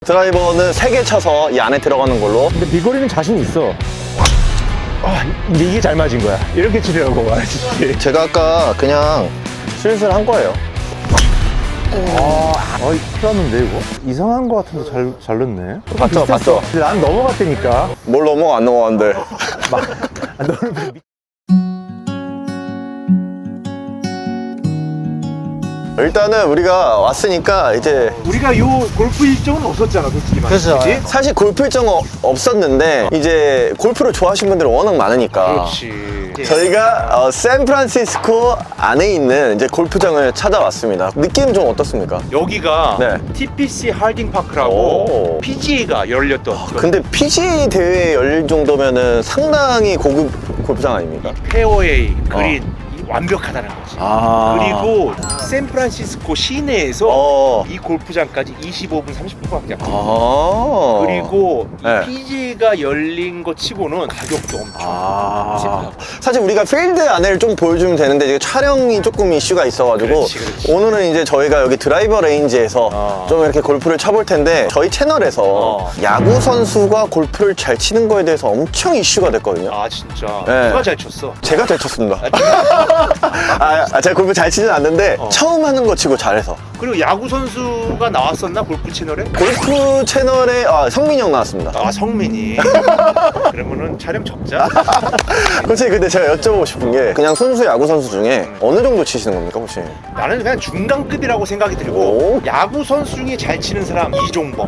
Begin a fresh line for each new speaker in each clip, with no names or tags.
드라이버는 3개 쳐서 이 안에 들어가는 걸로.
근데 비거리는 자신 있어. 아, 근데 이게 잘 맞은 거야. 이렇게 치려고 말했지.
제가 아까 그냥 슬슬 한 거예요.
큰일 났는데 이거? 이상한 거 같은데 잘 넣네.
봤죠, 봤죠.
난 넘어갔다니까.
뭘 넘어가 안 넘어가는데.
너는
일단은 우리가 왔으니까 이제
우리가 요 골프 일정은 없었잖아, 솔직히 말해서.
그렇죠. 사실 골프 일정 없었는데 이제 골프를 좋아하시는 분들이 워낙 많으니까
그렇지.
저희가 샌프란시스코 안에 있는 이제 골프장을 찾아왔습니다. 느낌 좀 어떻습니까?
여기가
네.
TPC 할딩 파크라고
오.
PGA가 열렸던
근데 PGA 대회 열릴 정도면은 상당히 고급 골프장 아닙니까?
페어웨이, 그린 이 완벽하다는 거지. 그리고 샌프란시스코 시내에서 이 골프장까지 25분, 30분밖에 안 걸려. 그리고
네.
PGA가 열린 거 치고는 가격도 엄청 비싸고.
사실 우리가 필드 안에를 좀 보여주면 되는데 이게 촬영이 조금 이슈가 있어가지고
그렇지.
오늘은 이제 저희가 여기 드라이버 레인지에서 좀 이렇게 골프를 쳐볼 텐데 저희 채널에서 야구 선수가 골프를 잘 치는 거에 대해서 엄청 이슈가 됐거든요.
아 진짜
네.
누가 잘 쳤어?
제가 잘 쳤습니다. 제가 골프 잘 치진 않는데 처음 하는 거 치고 잘해서.
그리고 야구 선수가 나왔었나 골프 채널에?
골프 채널에 성민이 형 나왔습니다.
아 성민이. 그러면은 촬영 접자.
혹시 근데 제가 여쭤보고 싶은 게 그냥 순수 야구 선수 중에 어느 정도 치시는 겁니까 혹시?
나는 그냥 중간급이라고 생각이 들고
오.
야구 선수 중에 잘 치는 사람 이종범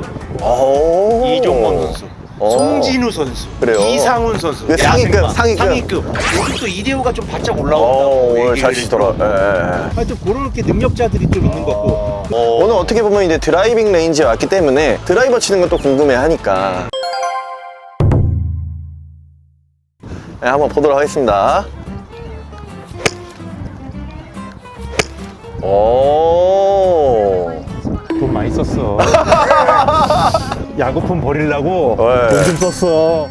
선수,
오.
송진우 선수,
그래요?
이상훈 선수,
그 상위급,
야생마,
상위급.
요즘 또 이대호가 좀 바짝 올라온다고
오늘
얘기를
잘 치더라.
했더라고.
예.
하여튼 그렇게 능력자들이 좀 있는 것 같고.
오늘 어떻게 보면 이제 드라이빙 레인지에 왔기 때문에 드라이버 치는 것도 궁금해 하니까 네, 한번 보도록 하겠습니다. 오.
돈 많이 썼어. 야구품 버리려고
네.
돈 좀 썼어.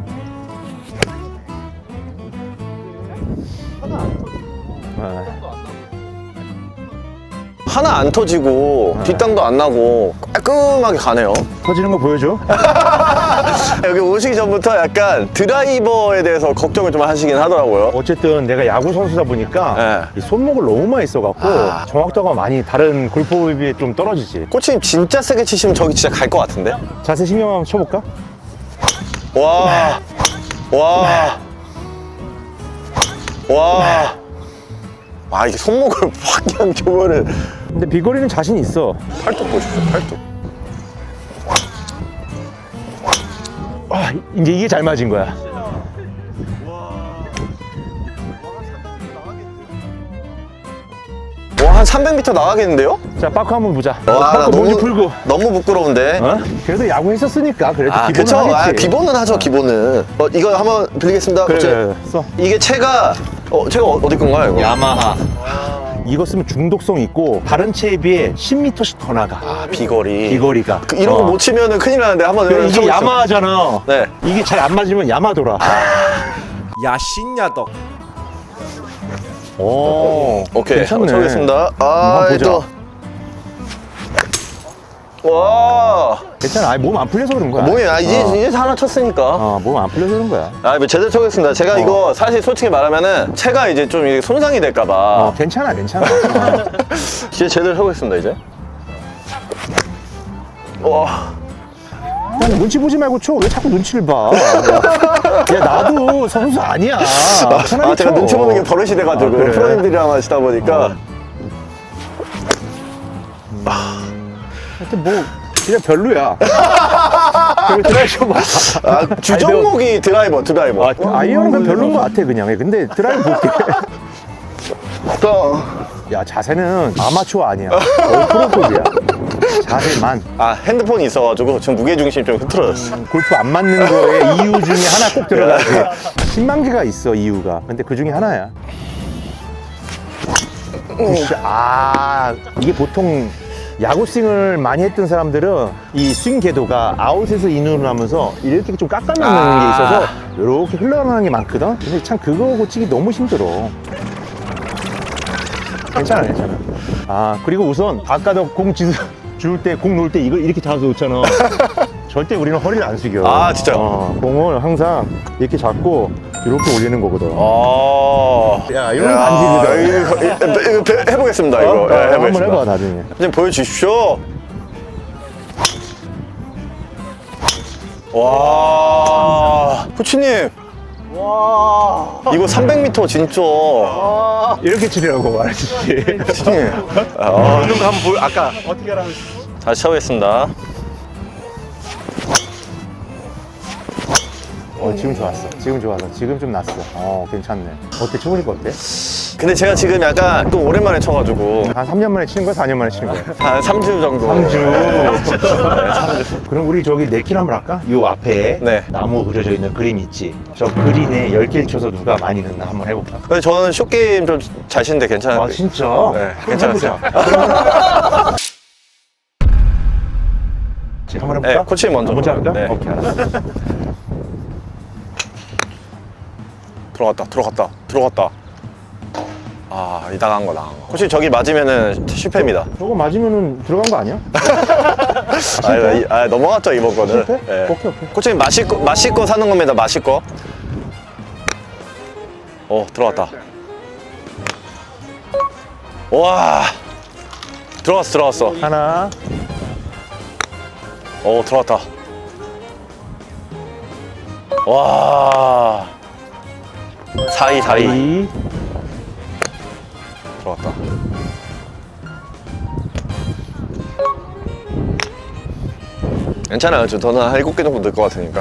하나 안 터지고 뒷땅도 안 나고 깔끔하게 가네요.
터지는 거 보여줘?
여기 오시기 전부터 약간 드라이버에 대해서 걱정을 좀 하시긴 하더라고요.
어쨌든 내가 야구 선수다 보니까 이 손목을 너무 많이 써갖고 정확도가 많이 다른 골프에 비해 좀 떨어지지.
코치님 진짜 세게 치시면 저기 진짜 갈 것 같은데?
자세 신경 한번 쳐볼까?
와. 와. 와. 아, 이게 손목을 확 그냥 교면은.
근데 비거리는 자신 있어.
팔뚝 보십시오, 팔뚝.
이제 이게 잘 맞은 거야.
와, 한 300m 나가겠는데요?
자, 빠크 한번 보자.
와, 나
빠크 몸좀 풀고.
너무 부끄러운데.
어? 그래도 야구 했었으니까 그래도 기본은
그쵸.
하겠지.
기본은 하죠, 기본은. 이거 한번 빌리겠습니다.
그래,
코치.
그래, 써.
이게 채가 어디 건가요, 이거?
야마하.
이거 쓰면 중독성 있고 다른 채에 비해 10m씩 더 나가.
비거리.
비거리가.
이런 거 못 치면은 큰일 나는데 한번
그래, 이게
쳐보시죠.
야마하잖아.
네.
이게 잘 안 맞으면 야마돌아.
야신야덕.
오,
오케이.
괜찮네.
한번 쳐보겠습니다.
한번 보자.
와.
괜찮아. 몸 안 풀려서 그런 거야.
몸이 이제 하나 쳤으니까.
몸 안 풀려서 그런 거야.
뭐 제대로 쳐보겠습니다. 제가 이거 사실 솔직히 말하면은 채가 이제 좀 이게 손상이 될까봐
괜찮아.
이제 제대로 쳐보겠습니다. 이제. 와.
그냥 눈치 보지 말고 쳐. 왜 자꾸 눈치를 봐? 야, 나도 선수 아니야. 편하게
제가
쳐.
눈치 보는 게 버릇이 돼가지고
그래.
프로님들이랑 하시다 보니까
하여튼 뭐 그냥 별로야. 그리고 드라이버 봐.
주종목이 드라이버.
아이언은 별로인 것 같아 그냥. 근데 드라이브 볼게. 야, 자세는 아마추어 아니야. 거의 프로급이야. 자세만.
핸드폰이 있어가지고 지금 무게중심이 좀 흐트러졌어.
골프 안 맞는 거에 이유 중에 하나 꼭 들어가지. 10만 개가 있어 이유가. 근데 그 중에 하나야. 이게 보통 야구 스윙을 많이 했던 사람들은 이 스윙 궤도가 아웃에서 인으로 하면서 이렇게 좀 깎아놓는 게 있어서 이렇게 흘러나가는 게 많거든. 근데 참 그거 고치기 너무 힘들어. 괜찮아. 그리고 우선 아까도 공 줄 때, 공 놓을 때 이걸 이렇게 잡아서 놓잖아. 절대 우리는 허리를 안 숙여.
아, 진짜요?
공을 항상 이렇게 잡고 이렇게 올리는 거거든. 야, 이런 반칙이다.
이거 해보겠습니다, 이거. 예,
한번
해보겠습니다.
해봐, 나중에.
좀 보여주십시오. 와, 코치님. 와, 이거 300m 진짜.
이렇게 치려고 말했지.
코치님.
보는 거 한번 보여. 아까 어떻게 하라고.
다시 쳐보겠습니다.
지금 좋았어. 지금 좋았어. 지금 좀 났어. 괜찮네. 어때? 쳐보니까 어때?
근데 제가 지금 약간 또 오랜만에 쳐가지고
한 3년 만에 치는 거야? 4년 만에 치는 거야?
한 3주 정도.
3주. 그럼 우리 저기 네킬 한번 할까? 요 앞에
네.
나무 그려져 있는 그림 있지? 저 그림에 10개를 쳐서 누가 많이 넣나 한번 해볼까?
근데 저는 쇼게임 좀 잘 치는데 괜찮아요.
아 진짜?
네,
그럼
괜찮았어요.
해보자. 한번 해볼까?
네, 코치님 먼저.
먼저 할까?
네.
오케이 알았어.
들어갔다. 아, 이 나간 거. 코치 저기 맞으면은 실패입니다.
저거 맞으면은 들어간 거 아니야?
넘어갔죠, 이번 거는.
실패?
네.
오케이.
코치님 마실 거 사는 겁니다, 마실 거. 들어갔다. 와, 들어갔어.
하나.
들어갔다. 와, 4-2. 들어갔다. 괜찮아요. 저는 한 7개 정도 넣을 것 같으니까.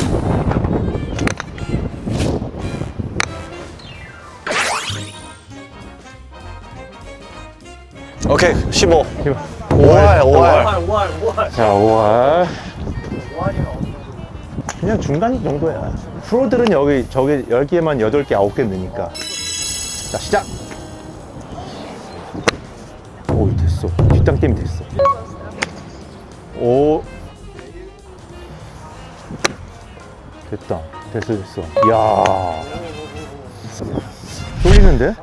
오케이, 15. 5할.
자, 5할. 그냥 중간 정도야. 프로들은 여기 저기 10개만 8개, 9개 넣으니까. 자, 시작. 오, 됐어. 뒷땅 때문에 됐어. 오. 됐다. 됐어. 이야. 쫄리는데?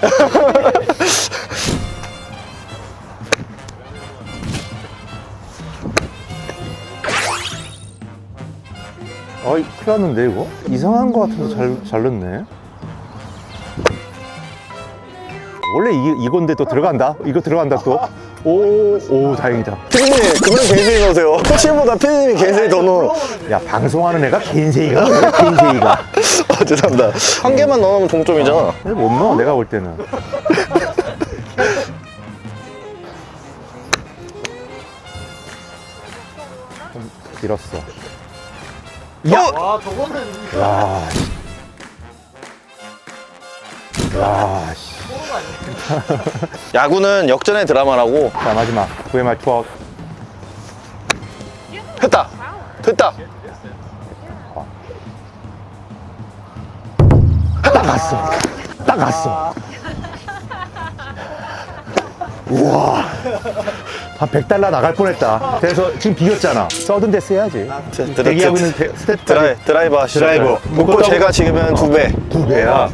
어이, 큰일 났는데, 이거? 이상한 거 같은데 잘 넣네. 원래 이건데 또 들어간다? 이거 들어간다 또? 오, 다행이다.
피디님, 그만 개인세이 넣으세요. 코치보다 피디님이 개인세이 더 넣어.
야, 방송하는 애가 개인세이가 뭐야, 개인세이가.
죄송합니다. 한 개만 넣으면 동점이잖아.
못 넣어, 내가 볼 때는. 좀 길었어. 야, 씨.
야구는 역전의 드라마라고.
자, 마지막. VMR 투아웃.
됐다.
딱 갔어. 우와. 한 100달러 나갈 뻔했다. 그래서 지금 비겼잖아. 서든 데스 해야지. 대기하고 있는 스텝
드라이버 하시죠.
드라이버.
묶고 제가 지금은 2배.
2배야.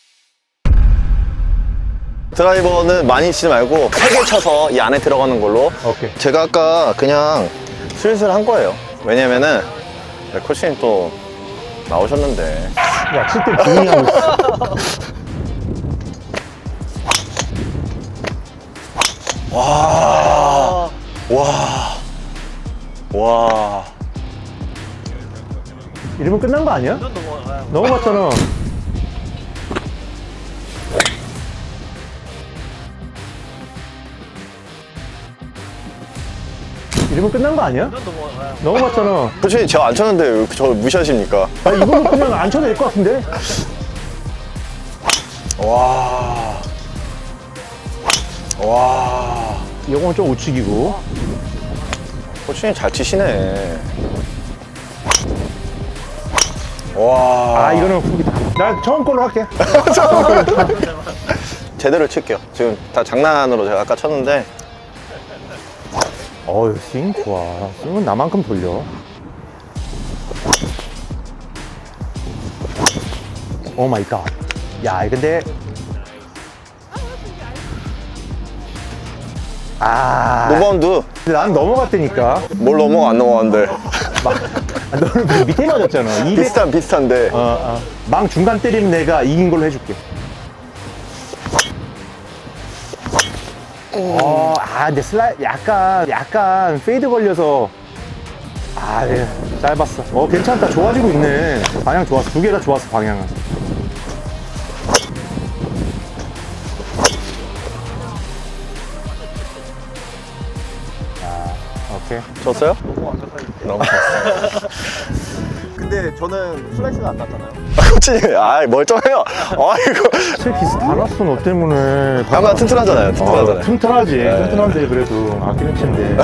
드라이버는 많이 치지 말고 3개 쳐서 이 안에 들어가는 걸로.
오케이.
제가 아까 그냥 슬슬 한 거예요. 왜냐면은 코치님 또 나오셨는데.
야, 칠 때 조용히 하고 있어.
와.
이러면 끝난 거 아니야? 넘어갔잖아. 이러면 끝난 거 아니야? 넘어갔잖아.
코치님 저 안 쳤는데 왜 저 무시하십니까?
아, 이거는 그냥 안 쳐도 될 것 같은데?
와.
이건 좀 우측이고.
코치님 잘 치시네. 와.
아, 이거는 후기다. 나 처음 걸로 할게.
제대로 칠게요. 지금 다 장난으로 제가 아까 쳤는데.
어휴, 스윙 좋아. 스윙은 나만큼 돌려. 오 마이 갓. 야, 근데
노바운드.
난 넘어갔다니까.
뭘 넘어가 안 넘어가는데.
너는 그 밑에 맞았잖아. 200.
비슷한데.
망 중간 때리면 내가 이긴 걸로 해줄게. 근데 약간 페이드 걸려서. 네, 짧았어. 괜찮다. 좋아지고 있네. 방향 좋았어. 두 개 다 좋았어, 방향은. 오케이.
졌어요? 너무 졌어요. 근데 저는 슬라이스가 안 났잖아요. 코치님, 멀쩡해요. 이거.
제 기스 다 났어, 너 때문에.
가만 튼튼하잖아요. 튼튼하잖아요.
튼튼하지. 튼튼한데, 그래도. 아끼는 친데.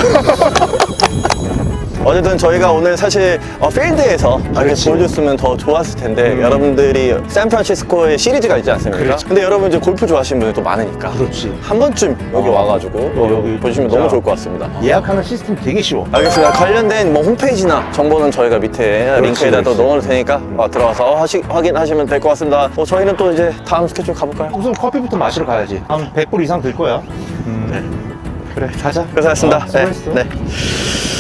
어쨌든 저희가 오늘 사실 필드에서 이렇게 보여줬으면 더 좋았을 텐데 여러분들이 샌프란시스코에 시리즈가 있지 않습니까?
그렇지.
근데 여러분 이제 골프 좋아하시는 분들이 또 많으니까
그렇지.
한 번쯤 여기 와가지고
여기
보시면
진짜
너무 좋을 것 같습니다.
예약하는 시스템 되게 쉬워.
알겠습니다. 관련된 뭐 홈페이지나 정보는 저희가 밑에 링크에다 또 넣어놓을 테니까 들어가서 확인하시면 될 것 같습니다. 저희는 또 이제 다음 스케줄 가볼까요?
우선 커피부터 마시러 가야지. 한 100불 이상 들 거야. 그래, 가자.
고생하셨습니다.
수고했어.
네.